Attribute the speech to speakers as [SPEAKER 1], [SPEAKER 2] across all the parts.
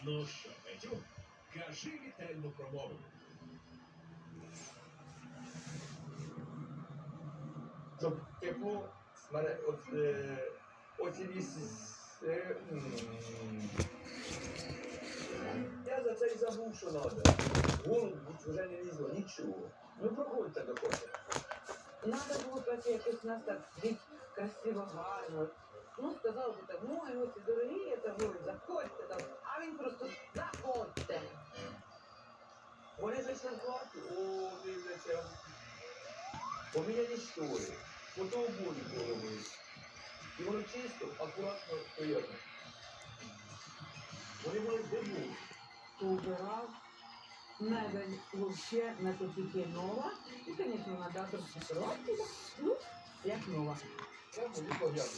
[SPEAKER 1] Ну що, Петю, кажи вітальну промову.
[SPEAKER 2] Щоб тепло, оці я за це й забув, що треба. Голову вже не лізло, нічого. Ну проходьте до кофе.
[SPEAKER 3] Надо було пройти якось нас так бить красиво, гарно. Ну, сказав би так, ой, ось і дорогі, це говорить, заходьте там. А він просто заходьте.
[SPEAKER 2] Вони зайшли в хату, о, дивляться. Поміняні штори, фотообої поробили. І воно чисто, акуратно, приємно. Вони були здивовані.
[SPEAKER 3] Поубирав, мебель вообще на тільки нова. І, звісно, на дату фотографії, ну, як нова.
[SPEAKER 2] Я буду поглянути.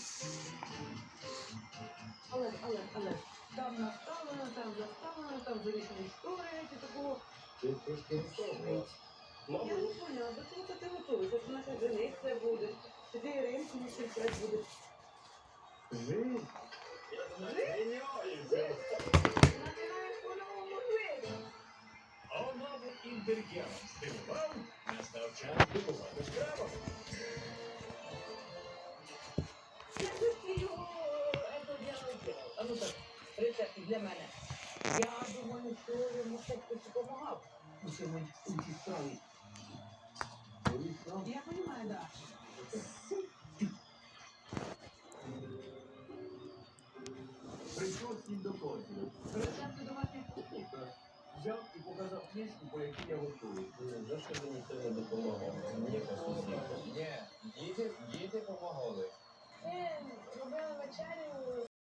[SPEAKER 3] Але, там наставлено, там заставлено, там завішені штори, і такого.
[SPEAKER 2] Ти трошки розставила.
[SPEAKER 3] Я не поняла, до чого ти готуєшся, що наша жениться буде, чи ти ринку не встрічати буде.
[SPEAKER 2] Жизнь.
[SPEAKER 3] Починаєш по-новому жити.
[SPEAKER 1] А новим інтер'єром здивував, настав час дивувати справами.
[SPEAKER 3] Я же його это делал. А ну так, рецепт для мене. Я думаю, що йому хтось допомагав.
[SPEAKER 2] У цій справі.
[SPEAKER 3] Я понимаю, да.
[SPEAKER 2] Прийшов слід до кофі.
[SPEAKER 3] Рецепти домашніх кухні.
[SPEAKER 2] Взяв і показав книжку, по якій я готую.
[SPEAKER 4] За що мені це не допомагало? Мені посудити.
[SPEAKER 5] Ні, діти допомагали.